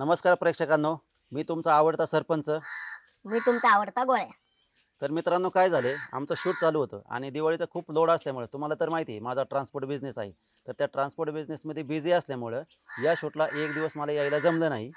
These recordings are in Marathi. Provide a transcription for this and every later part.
नमस्कार प्रेक्षकांनो, मी तुमचा आवडता सरपंच. मी तुमचा आवडता गोळ्या. तर मित्रांनो, काय झाले, आमचं शूट चालू होतं आणि दिवाळीचा खूप लोड असल्यामुळे तुम्हाला तर माहिती आहे माझा ट्रान्सपोर्ट बिझनेस आहे. तर त्या ट्रान्सपोर्ट बिझनेसमध्ये बिझी असल्यामुळं या शूटला एक दिवस मला यायला जमलं नाही.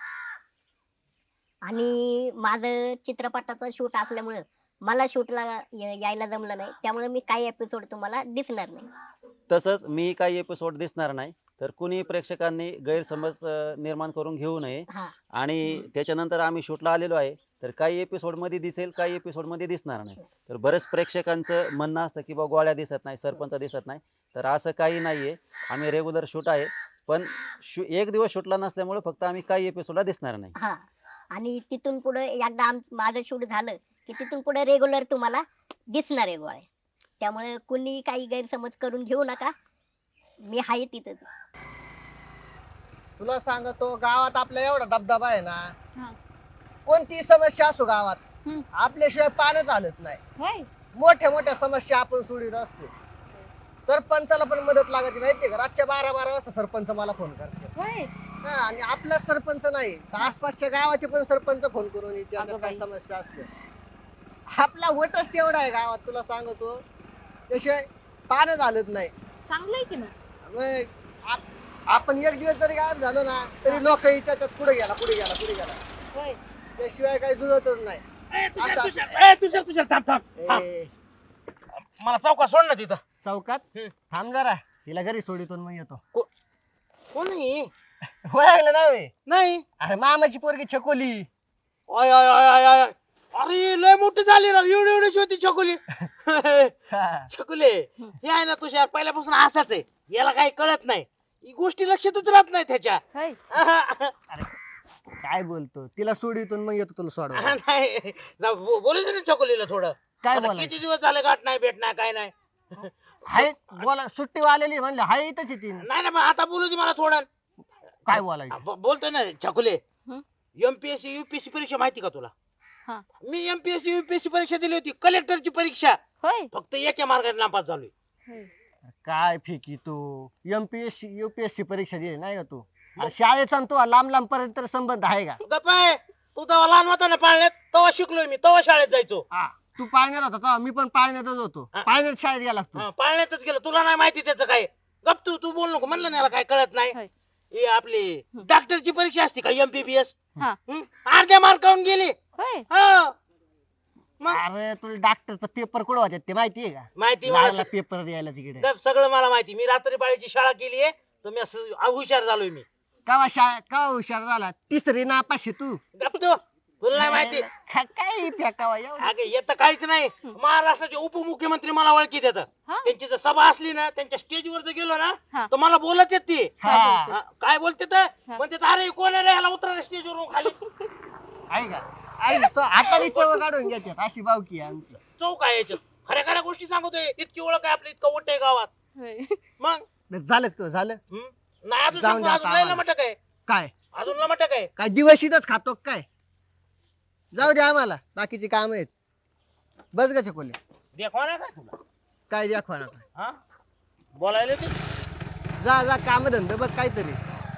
आणि माझं चित्रपटाचं शूट असल्यामुळं मला शूटला यायला जमलं नाही, त्यामुळे मी काही एपिसोड तुम्हाला दिसणार नाही. तसंच मी काही एपिसोड दिसणार नाही. तर कुणी प्रेक्षकांनी गैरसमज निर्माण करून घेऊ नये. हा. आणि त्याच्यानंतर आम्ही शूटला आलेलो आहे. तर काही एपिसोड मध्ये दिसेल, काही एपिसोड मध्ये दिसणार नाही. तर बरेच प्रेक्षकांचं म्हणणं असतं की बा गोळ्या दिसत नाही, सरपंच दिसत नाही. तर असं काही नाहीये. आम्ही रेग्युलर शूट आहे. पण एक दिवस शूटला नसल्यामुळे फक्त आम्ही काही एपिसोडला दिसणार नाही. हा. आणि तिथून पुढे एकदा माझं शूट झालं की तिथून पुढे रेग्युलर तुम्हाला दिसणार आहे गोळ्या. त्यामुळे कुणी काही गैरसमज करून घेऊ नका. मी आहे तिथं. तुला सांगतो गावात आपल्या एवढा दबदबा आहे ना. हा. कोणती समस्या असो गावात हम्म. आपल्याशिवाय पानच हालत नाही. होय. मोठ्या मोठ्या समस्या आपण सोडीत असतो. सरपंचाला पण मदत लागते माहितीये का, रातच्या 12-12 वाजता सरपंच मला फोन करते. होय. हा, आणि आपलाच सरपंच नाही तर आसपासच्या गावाचे पण सरपंच फोन करून विचारतात अगं काय बाई. समस्या असते. आपला वटच तेवढा आहे गावात, तुला सांगतो त्याशिवाय पानच हालत नाही. चांगलंय की मग आपण एक दिवस जरी गायब झालो ना तरी लोक विचारतात कुठे गेला कुठे गेला कुठे गेला. होय. त्याशिवाय काही जुळतच नाही. तुषार थांब थांब ए, मला चौकात सोड ना तिथं. चौकात थांब जरा, हिला घरी सोडितून मग येतो. कोणी ओळखलं नाही? नाही. अरे मामाची पोरगी छकोली. आय आय आय आय आय. अरे लय मोठी झाली राव, एवढी एवढी होती छकुली. हा. छकुले हे आहे ना तुषार पहिल्यापासून असाच आहे, याला काही कळत नाही, ही गोष्टी लक्षातच राहत नाही त्याच्या. काय बोलतो, तिला सोडितून मग येतो तुला सोडवा. नाही बोलू दे ना छकुलीला थोडं. काय आता बोलायचं? किती दिवस झाले गाठ नाही भेट नाही काय नाही. हाय बोला, सुट्टी आलेली म्हणले हाय इथंच ती. नाही ना पण आता बोलू दे मला थोडं. काय बोलायचं? बोलतोय ना छकुले. हं? एमपीएससी युपीएससी परीक्षा माहिती का तुला? हा. मी एमपीएससी युपीएससी परीक्षा दिली होती, कलेक्टरची परीक्षा. होय. फक्त एका मार्गाने नापास झालोय. काय फेकी तू, एमपीएससी युपीएससी परीक्षा दिली नाही का तू? अरे शाळेचा आणि तू लांब लांब पर्यंत संबंध आहे का? गप्प आहे. तू तेव्हा लहान होता ना पाळण्यात, तेव्हा शिकलोय मी, तेव्हा शाळेत जायचो. तू पाळण्यात होता तेव्हा मी पण पाळण्यातच होतो. हा. पाळण्यात शाळेत गेला तू. हा, पाळण्यातच गेलो, तुला नाही माहिती त्याचं काय. गप तू तू बोल नको, म्हणलं ना याला काय कळत नाही. हे आपली डॉक्टरची परीक्षा असते का एमबीबीएस, हा. अर्ध्या मार्कावून गेली. होय. हा. मग अरे तुला डॉक्टरचा पेपर कुठं होत्यात ते माहितीये का? माहिती मला लागला पेपर द्यायला तिकडे. गप, सगळं मला माहिती. मी रात्री पाळीची शाळा केली आहे, तर मी असं हुशार झालोय मी. कवा हुशार झाला? तिसरी नापाशी तू. गप तू, तुला नाही माहिती. काय फेकावा एवढं? अगे येत काहीच नाही. महाराष्ट्राचे उपमुख्यमंत्री मला ओळखीत येतात. हा? त्यांची जर सभा असली ना, त्यांच्या स्टेजवर जर गेलो ना, हा. तर मला बोलत येत ती. हा. हा, काय बोलते तर म्हणते, अरे कोण आहे रे, ह्याला उतरा स्टेजवरून खाली. आहे का? हाताने चव काढून घेतात, अशी बावकी आहे आमची. चौक आहे याच्यात. खऱ्या खऱ्या गोष्टी सांगतोय. इतकी ओळख आहे आपली, इतकं मोठं आहे गावात. मग झालं का तुझं? झालं नाही अजून जाऊन सांगतो, द्या अजून आता लय आम्हाला. लमटक आहे, काय? अजून लमटक आहे. काय दिवस इथंच खातो का काय? जाऊ दे आम्हाला, बाकीची काम आहेत. बस ग चकोले. देखवा ना काय तुला, काय दाखवा ना काय? हा बोलायला ते. जा जा, काम धंदे बघ काहीतरी.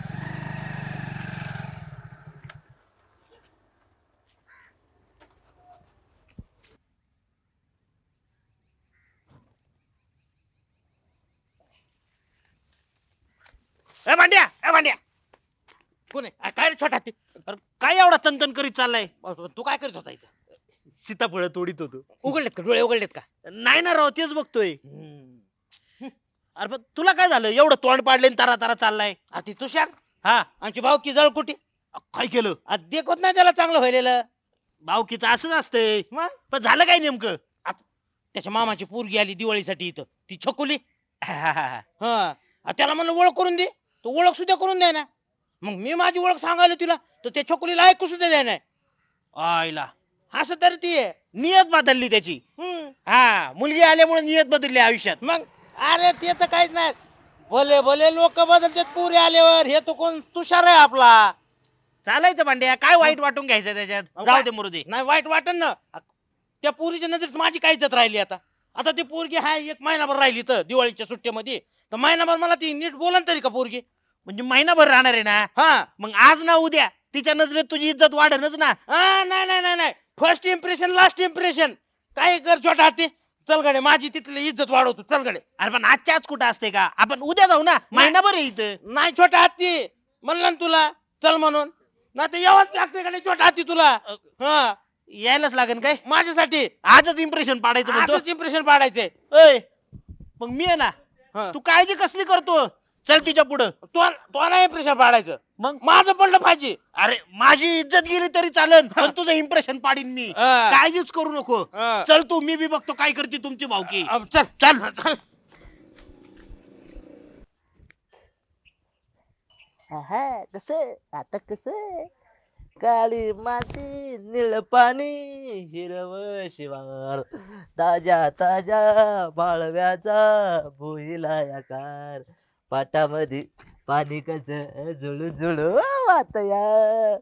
ए भांड्या, ए भांड्या, कोण आहे? काय रे छोटा ते? अरे काय एवढा तनतन करीत चाललाय? तू काय करीत होता इथं? सीताफळ तोडीत होतो. उघडलेत का डोळे, उघडलेत का? नाही ना राव, तेच बघतोय. अरे पण तुला काय झालं, एवढं तोंड पाडले तारा तारा चाललाय? अरे ती तुषार, हा, आमची भावकी जळकुटी, काय केलं? देखत नाही त्याला चांगलं व्हायलेलं. भावकीचं असंच असतंय. मग पण झालं काय नेमकं? त्याच्या मामाची पोरगी आली दिवाळीसाठी इथं, ती छकुली. हा, त्याला म्हणलं ओळख करून दे, तो ओळख सुद्धा करून द्या ना. मग मी माझी ओळख सांगायला तिला, तर त्या छकुलीला ऐकू सुद्धा द्या नाही. आईला असं तर ती आहे. नियत बदलली त्याची. हा, मुलगी आल्यामुळे नियत बदलली आयुष्यात. मग अरे ते तर काहीच नाही. भले भले लोक बदलतात पोरी आल्यावर, हे तो कोण तुषार आहे आपला. चालायचं भांड्या, काय वाईट वाटून घ्यायचं त्याच्यात? जाऊ दे, मरू दे. नाही वाईट वाटन ना. त्या पोरीच्या नजरेत माझी काय इज्जत राहिली आता? आता ती पोरगी हाय एक महिनाभर राहिली तर दिवाळीच्या सुट्टीमध्ये, तर महिनाभर मला ती नीट बोलन तरी का पोरगी? म्हणजे महिनाभर राहणार आहे ना? हा मग आज ना उद्या तिच्या नजरेत तुझी इज्जत वाढेनच ना. नाही नाही नाही नाही, फर्स्ट इम्प्रेशन लास्ट इम्प्रेशन. काय कर छोटा हाती, चल गडे माझी तिथली इज्जत वाढवतो, चल गडे. अरे पण आजच्या आज कुठं असते का, आपण उद्या जाऊ ना, महिनाभर आहे इथं. नाही छोटा हाती म्हणलं ना तुला चल म्हणून, नाही तर यावंच लागते गडे छोटा हाती तुला. हा यायलाच लागेल काय, माझ्यासाठी आजच इम्प्रेशन पाडायचं म्हणतो. आजच इम्प्रेशन पाडायचंय. ओय मग मी आहे ना, हा. तू काळजी कसली करतो, चल तिच्या पुढं. तो नाही इम्प्रेशन पाडायचं, मग माझं पडलं पाहिजे. अरे माझी इज्जत गेली तरी चालेल, पण तुझं इम्प्रेशन पाडीन मी. हा. काळजीच करू नको. हा. चल तू, मी बी बघतो काय करते तुमची भावकी. चल चल चल. कस आता कस काळी माती निळ पाणी हिरव शिवार ताज्या ताज्या माळव्याचा भुईला आकार पाटामध्ये पाणी कस जुळू जुळू वातया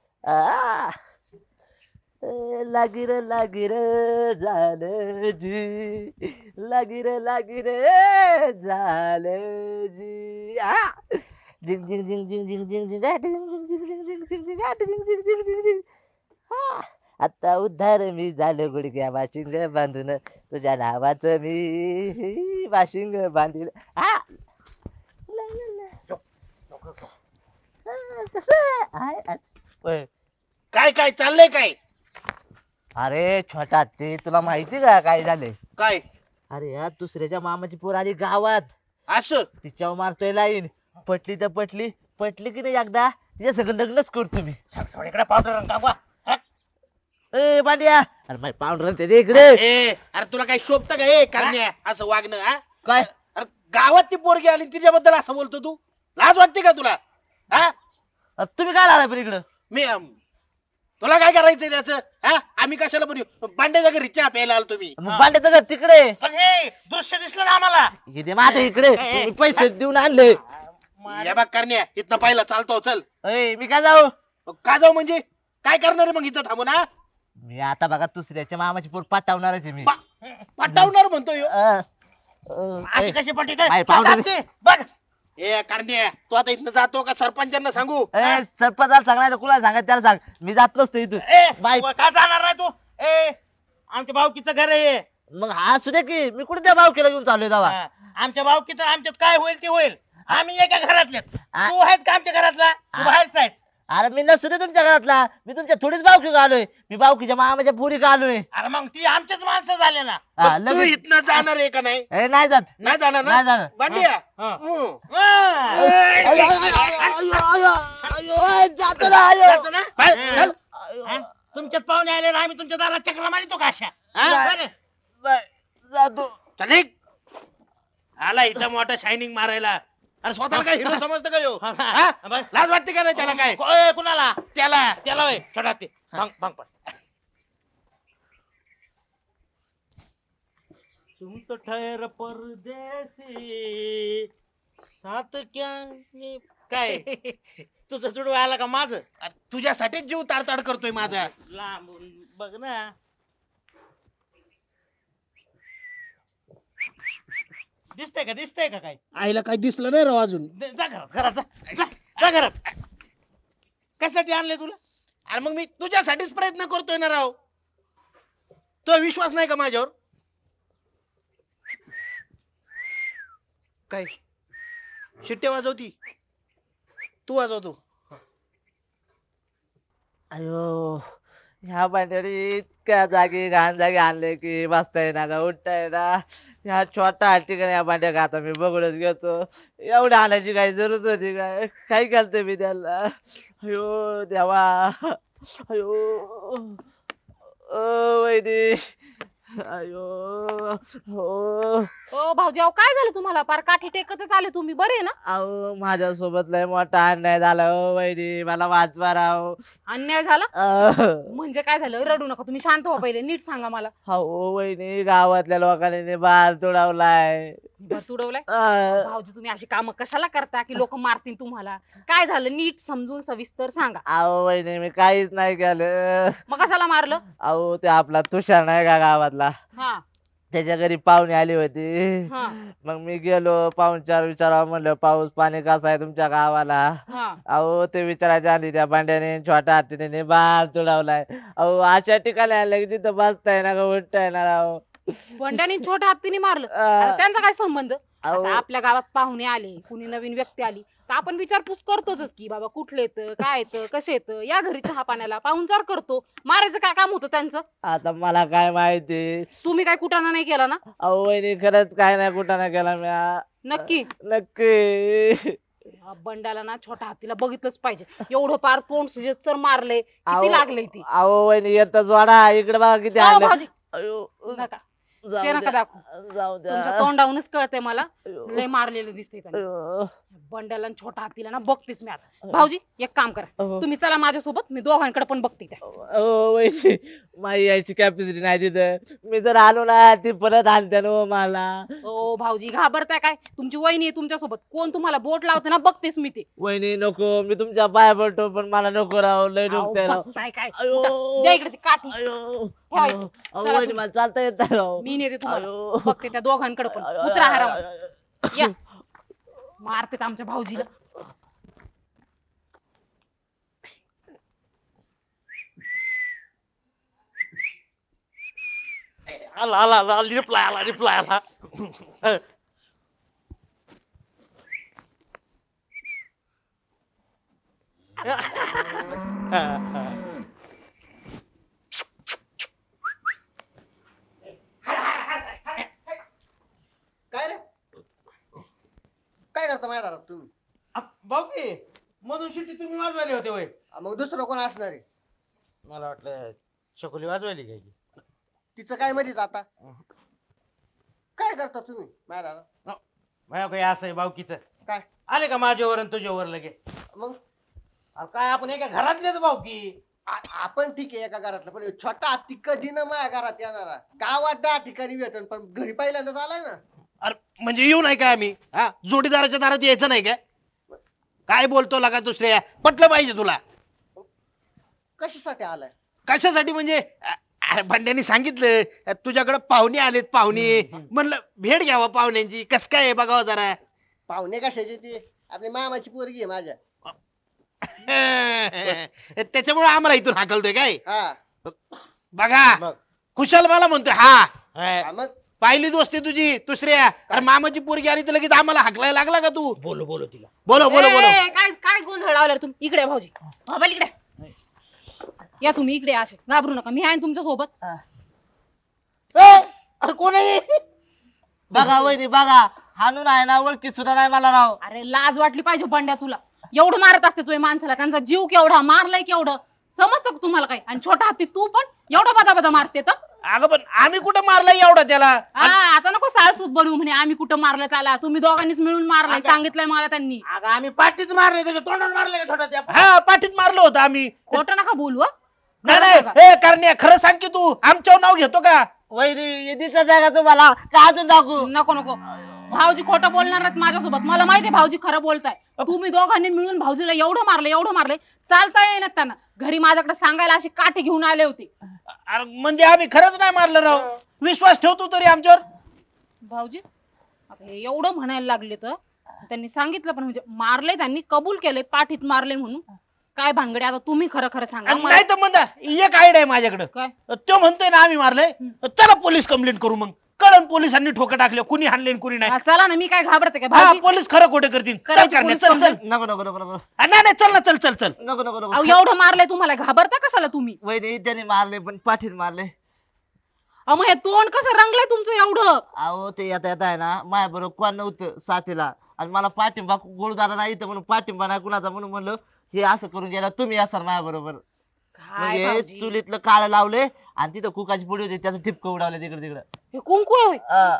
लागिर लागिर झालं जी लागिर झालं जी झिंग झिंग झिंग झिंग झिंग झिंग झिंग झिंग झिंग झिंग झिंग झिंग झिंग झिंग झिंग झिंग झिंग. आता उद्धार मी झालो गुडघ्या वाशिंग बांधून तुझ्या नावाचं मी वाशिंग बांधील. काय काय चाललंय काय. अरे छोटा ते तुला माहिती का काय झालंय. काय अरे यार दुसऱ्याच्या मामाची पोर आली गावात, असं तिच्यावर मारतोय लाईन. पटली तर पटली, पटली की नाही एकदा तिच्या सगळं लग्नच करतो मी. इकडे पावडर रंग कापा. ए बांड्या, अरे माय पाऊंडर ते दे इकडे. अरे तुला काय शोभत का ए करण्या असं वागणं हा. काय अरे गावात ती पोरगी आली तिच्याबद्दल असं बोलतो तू, लाज वाटते का तुला हा. अरे तुम्ही काय आला पण इकडं. मी तुला काय करायचंय त्याचं हा. आम्ही कशाला पण येऊ, बांड्याच्या घरी चहा प्यायला आलो तुम्ही. मग बांड्याचं घर तिकडे. पण हे दृश्य दिसलं ना आम्हाला. हे दे माझ्या इकडे, मी पैसे देऊन आणले. या बघ करण्या, इथनं पाहिलं चालतो चल. ए मी काय जाऊ. का जाऊ म्हणजे काय करणार आहे मग इथं थांबून हा. मी आता बघा दुसऱ्याच्या मामाची पोर पाठवणारच आहे मी. पटावणार म्हणतो ह्यो. अशी कशी पटी काय पावडर. बघ ए करण्या, तू आता इथनं जातो का सरपंचांना सांगू. सरपंचाला सांगणार कुणाला सांगा त्याला सांग, मी जात नसतो इथून. बाय. का जाणार नाही तू. आमच्या भाऊकीचं घर आहे. मग हा सुद्धा की मी कुठे त्या भावकीला घेऊन चाललोय दावा. आमच्या भाऊकीचं आमच्यात काय होईल ते होईल. आम्ही एका घरातले. आ- तू आहेस का आमच्या घरातला, तू बाहेरचा आहेस. अरे मी नसू दे तुमच्या घरातला, मी तुमच्या थोडीच भावकी आलोय. मी भावकीच्या मामाच्या पुरी का आलोय. अरे मग ती आमच्याच माणसं झाले ना. हा, तू लगेच. इथनं जाणार आहे का नाही. नाही जात. नाही जाणार नाही ना जाणार. बांडिया. हा. जातो ना आयो. जातो ना? बाहेर, चल. हा? तुमच्यात पाहुणे आले आम्ही तुमच्या दारात चक्र मारितो का अशा. हा? बरं. जातो. चल निघ. आला इथं मोठा शायनिंग मारायला. अरे स्वतःला काय हिरो समजतं का ह्यो? हा? बरं. लाज वाटते का नाही त्याला काय. कुणाला त्याला त्याला होय छोटा ते भांग भांग पड. तुम तो ठहर परदेसी साथ क्या काय तुझं जुडू आला का माझं. अरे तुझ्यासाठीच जीव ताडताड करतोय माझा. लांबून बघ ना. दिसतंय का काय. आईला काय दिसलं नाही राव अजून. जा घरात जा घरात. कशासाठी आणले तुला. अरे मग मी तुझ्यासाठीच प्रयत्न करतोय ना राव. तो विश्वास नाही का माझ्यावर. काय शिट्ट्या वाजवती, तू वाजवतो. अयो ह्या भांड्याने इतक्या जागी घाण जागी आणले की बसता येईना का उठता येईना. ह्या छोटा ठिकाणी ह्या भांड्या का आता मी बघूनच घेतो. एवढ्या आणायची काही जरूरत होती काय. काय केलं मी त्याला. अयो देवा. अयो वैदी. अयो हो. ओ भाऊजी अहो काय झालं तुम्हाला, पार काठी टेकतच आले तुम्ही, बरे ना. अहो माझ्यासोबत लय मोठा अन्याय झाला हो वैदी, मला वाचवा राव. अन्याय झाला अहो म्हणजे काय झालं, रडू नका तुम्ही, शांत व्हा पहिले, नीट सांगा मला. वहिनी गावातल्या लोकांनी बाहेर तुडवलाय. तुडवलाय. भाऊजी तुम्ही अशी कामं कशाला करता की लोक मारतील तुम्हाला. काय झालं नीट समजून सविस्तर सांगा. अहो वहिनी मी काहीच नाही केलं. मग कशाला मारलं. अहो ते आपला तुषार नाही का गावातला, हा त्याच्या घरी पाहुणे आली होती. हा. मग मी गेलो पाहुणचार विचारावं म्हणलं पाऊस पाणी कसं आहे तुमच्या गावाला. हा. अहो ते विचारायच्या आधी त्या भांड्याने छोट्या हातीने बाळ तुडवलाय. अहो अशा ठिकाणी आलं की तिथं बसता येणार का उठता येणार अहो. बंड्याने छोट्या हत्तीने मारलं. अं, आता त्यांचा काय संबंध? अहो. आता आपल्या गावात पाहुणे आले, कुणी नवीन व्यक्ती आली तर आपण विचारपूस करतोच की बाबा कुठले येतं, काय येतं, कसे येतं, या घरी चहा पाण्याला पाहुणचार करतो. मारायचं काय काम होतं त्यांचं? आता मला काय माहिती. तुम्ही काय कुटाणा नाही केला ना? अहो वहिनी खरंच काय नाही कुठं नाही केला म्या. नक्की. नक्की. या बंडाला ना छोट्या हत्तीला बघितलंच पाहिजे. एवढं पार तोंड सुजे तर मारले, अहो. किती लागले ती. अहो वहिनी येतच वाडा इकडे बघा किती अहो, आले. भाऊजी अयो नका, जाऊ ते नका द्या. दाखवू. जाऊ द्या. तुमच्या तोंडावूनच कळतंय मला, अयो. लय मारलेलं दिसतंय त्यांनी. अयो. बंड्याला आणि छोटा हत्तीला ना बघतेच मी आता. भाऊजी एक काम करा, अहो. तुम्ही चला माझ्यासोबत, मी दोघांकडे पण बघते त्या. अहो वहिनी माझी यायची कॅपॅसिटी नाही तिथं. मी जर आलो ना ती परत आणते ना हो मला. ओ भाऊजी घाबरताय काय? तुमची वहिनी आहे तुमच्यासोबत, कोण तुम्हाला बोट लावते ना बघतेच मी ते. वहिनी नको मी तुमच्या पाया पडतो पण मला नको राव लय अहो, दुखतंय राव. बसताय काय? अयो. उठा, द्या इकडे ती काठी. अयो. ठेवा अयो. इथे. अहो चला वहिनी तुम्ही. मला चालता येत नाही राव. मी नेते तुम्हाला, अयो. बघते त्या दोघांकडे पण. अयो, उतरा अयो, हरावर. अयो, अयो. या मारते आमच्या भाऊजीला. आला आला आला रिप्लाय आला. काय रे काय करता माझ्या दारात तुम्ही? भाऊ की मधून शिट्टी तुम्ही वाजवायले होते होय? मग दुसरं कोण असणार आहे? मला वाटलं चकोली वाजवायली काय की. तिचं काय मध्येच आता काय करता तुम्ही माझ्या दारात? माझ्या काही असं आहे भाऊकीच. काय आले का माझ्यावर आणि तुझ्यावर लगे? मग अरे काय आपण एका घरातलेच भाऊकी. आपण ठीक आहे एका घरातलं पण छोटा हत्ती कधी ना माझ्या घरात येणारा. गावात 10 ठिकाणी भेटन पण घरी पहिल्यांदाच आलाय ना. अरे म्हणजे येऊ नाही काय आम्ही हा जोडीदाराच्या दारात यायचं नाही काय? काय बोलतो लगा दुसऱ्या पटलं पाहिजे तुला. कशासाठी आलाय? कशासाठी म्हणजे अरे भांड्यानी सांगितलं तुझ्याकडे पाहुणे आलेत पाहुणे म्हणलं भेट घ्यावा पाहुण्यांची कस काय आहे बघावं जरा. पाहुणे कशाचे ते आपली मामाची पोरगी आहे माझ्या. त्याच्यामुळे आम्हाला इथून हाकलतोय काय हा बघा मग. खुशाल मला म्हणतोय हा हा, मग पाहिली दोस्ती तुझी दुसऱ्या अरे मामाची पोरगी आली तर लगेच आम्हाला हाकलायला लागला का तू? बोलो तिला. बोलो बोलो बोलो. ए, काय काय गोंधळ लावला रे तुम्ही? इकडे या भाऊजी, मोबाईल इकडे या. तुम्ही इकडे या, असे घाबरू नका, मी आहे ना तुमच्या सोबत. अरे कोण आहे? बघा वहिनी बघा हाणून आहे ना ओळखी सुद्धा नाही मला राव. अरे लाज वाटली पाहिजे बंड्या तुला. एवढं मारत असते तुझ्या माणसाला, त्यांचा जीव केवढा, मारलाय केवढं, समजतं का तुम्हाला काय? आणि छोटा हत्ती तू पण एवढा बदा बदा मारते तर. अगं पण आम्ही कुठं मारलाय एवढा त्याला? हा, आता नको साळसूत बनवू म्हणे आम्ही कुठं मारलं त्याला. तुम्ही दोघांनीच मिळून मारलाय, सांगितलंय मला त्यांनी. अगं आम्ही पाठीच मारले त्याच्या तोंडात मारले का छोटा त्या? हा पाठीत मारलं होतं आम्ही. खोटं नका बोलू हं. नाही खरं नाही सांगा. हे करण्या खरं सांग की तू आमच्यावर नाव घेतो का? वहिनी दिसत आहे का तुम्हाला का अजून दाखवू? नको नको, भाऊजी खोटं बोलणार नाहीत माझ्यासोबत. मला माहितीये भाऊजी खरं बोलताय. तुम्ही दोघांनी मिळून भाऊजीला एवढं मारलंय चालता येईनात त्यांना. घरी माझ्याकडे सांगायला अशी काठी घेऊन आले होते. अरे म्हणजे आम्ही खरंच नाही मारलं राव. विश्वास ठेवतो तरी आमच्यावर. भाऊजी आता हे एवढं म्हणायला लागले तर त्यांनी सांगितलं पण, म्हणजे मारले त्यांनी, कबूल केले पाठीत मारले म्हणून. काय भानगडे आता तुम्ही खरं खरं सांगा मला. नाही तर म्हणता एक आयडिया आहे माझ्याकडे. काय? तो म्हणतोय ना आम्ही मारलंय चला पोलीस कंप्लेंट करू. मग कळण पोलिसांनी ठोकं टाकले कुणी हाणले आणि कुणी नाही. हा, चला ना, मी काय घाबरते का हा भाऊजी? पोलीस खरं खोटं करतील. चल करायची करण्या, पोलीस चल चल. complaint. नको नको नको नको नाही नाही चल ना चल चल चल. नको नको अहो नको. एवढं मारलंय तुम्हाला, घाबरता कशाला तुम्ही? वहिनी त्याने मारले पण पाठीत मारले. अहो मग हे तोंड कसं रंगलंय तुमचं एवढं? अहो ते येता येता आहे ना माझ्या बरोबर कोण नव्हतं साथीला आणि मला पाठिंबा गोळदारा नाही इथं म्हणून पाठिंबा नाही कुणाचा म्हणून म्हणलं हे असं करून गेला तुम्ही असाल माझ्या बरोबर. काय म्हणजे भाऊजी? चुलीतलं काळ लावले आणि तिथं कुकाची पुडी होती त्याचं ठिपकं उडावलं तिकडे तिकडं. हे कुंकू आहे होय? अं,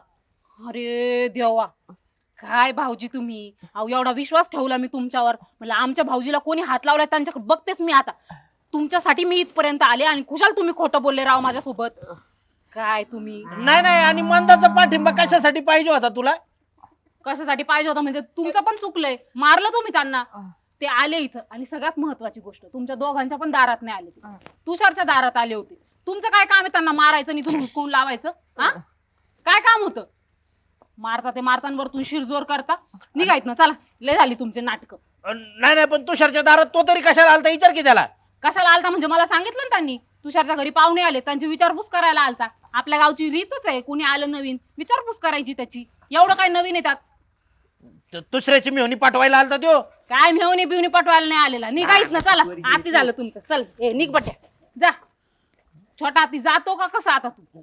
अरे देवा, काय भाऊजी तुम्ही. अहो एवढा विश्वास ठेवला मी तुमच्यावर, म्हणलं आमच्या भाऊजीला कोणी हात लावलाय त्यांच्याकडे बघतेच मी आता. तुमच्यासाठी मी इथपर्यंत आले आणि खुशाल तुम्ही खोटं बोलले राव माझ्यासोबत. काय तुम्ही नाही नाही आणि मंदाचा पाठिंबा कशासाठी पाहिजे होता तुला? कशासाठी पाहिजे होता म्हणजे? तुमचं पण चुकलंय, मारलं तुम्ही त्यांना. ते आले इथं आणि सगळ्यात महत्वाची गोष्ट, तुमच्या दोघांच्या पण दारात नाही आले ते. तुषारच्या दारात आले होते. तुमचं काय काम आहे त्यांना मारायचं आणि इथून हुसकून लावायचं? हा काय काम होतं? मारता ते मारतांवरतून शिरजोर करता. निघायत ना, चला. लय झाली तुमचे नाटक. नाही नाही, पण तुषारच्या दारात तो तरी कशाला आलता विचार की त्याला. कशाला आलता म्हणजे मला सांगितलं ना त्यांनी. तुषारच्या घरी पाहुणे आले, त्यांची विचारपूस करायला आलता. आपल्या गावची रीतच आहे, कुणी आलं नवीन विचारपूस करायची त्याची. एवढं काय नवीन आहे त्यात? दुसऱ्याची मेहनी पाठवायला आलता त्यो. काय मेवणी बिवणी पटवायला नाही आलेला. निघायत ना, चला. आती झालं तुमचं. चल ए निघ बट्या, जा. छोटा हाती जातो का कसा आता तू?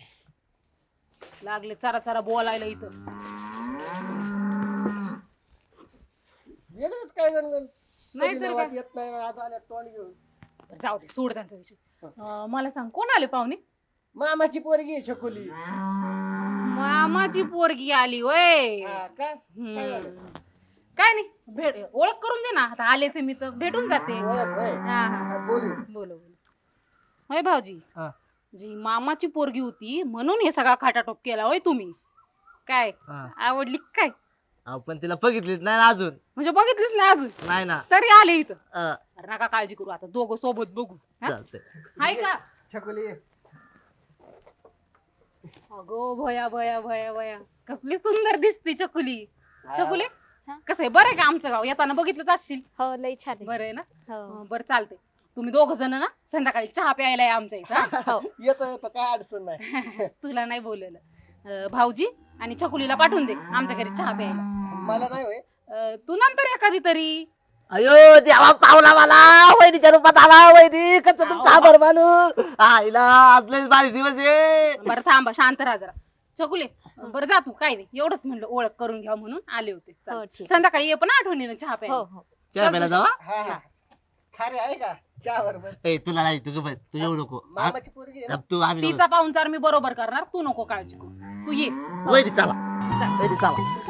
लागले चरा चरा बोलायला इथं. वेगळंच काय गणगण नाही तर काय. येत नाही आज आल्या तोंड घेऊन. जाऊ दे, सोड त्यांचा विषय. मला सांग, कोण आले पाहुणे? मामाची पोरगी आहे छकुली. मामाची पोरगी आली वय. हा का? काय झालं? काय नाही, भेट ओळख करून दे ना. आता आलेच आहे मी तर भेटून जाते. ओळख होय? हा हा, हा, बोलू. बोलो बोलो. होय भाऊजी, हा. जी मामाची पोरगी होती म्हणून हे सगळा खाटाटोप केला होय तुम्ही? काय हा. आवडली काय? अहो, पण तिला बघितलीच नाही ना अजून. म्हणजे बघितलीच नाही अजून नाही ना. तरी आले इथं. अं, अरे नका काळजी करू, आता दोघं सोबत बघू. हा? चालतंय. हाय का? छकुली अगो भया भया भया भया, कसली सुंदर दिसती चकुली. चकुली हा? कसं आहे, बरं आहे का आमचं गाव? येताना बघितलंच असशील. हो लय छान आहे. बरं आहे ना? हो. बरं चालतंय. तुम्ही दोघ जण ना संध्याकाळी चहा प्यायला या आमच्या इथं. हा? हो. येतो येतो काय अडचण नाही. तुला नाही बोललेलं. भाऊजी आणि चकुलीला पाठवून दे आमच्या घरी चहा प्यायला. मला नाही होय. तू नंतर एखादी तरी. अयो देवा, पावला मला वहिनीच्या रूपात आला. वहिनी कसं तुमचा आभार मानू. आईला आज लयच भारी दिवस आहे. बरं थांबा, शांत राहा जरा. चकुले बरं जा तू, काय नाही एवढंच म्हणलं ओळख करून घ्या म्हणून आले होते. हो, चालेल. ठीक. संध्याकाळी ये पण आठवणीनं चहा हो प्यायला. हो. चहा प्यायला जावा. हा हा. खारे आहे का चहा बरोबर? ए तुला नाही, तू बस, तू येऊ नको. हा? मामाची पोरगी आहे ना? तू आम्ही तिचा पाहुणचार मी बरोबर करणार, तू नको काळजी करू. तू ये. वहिनी चला. वहिनी चला.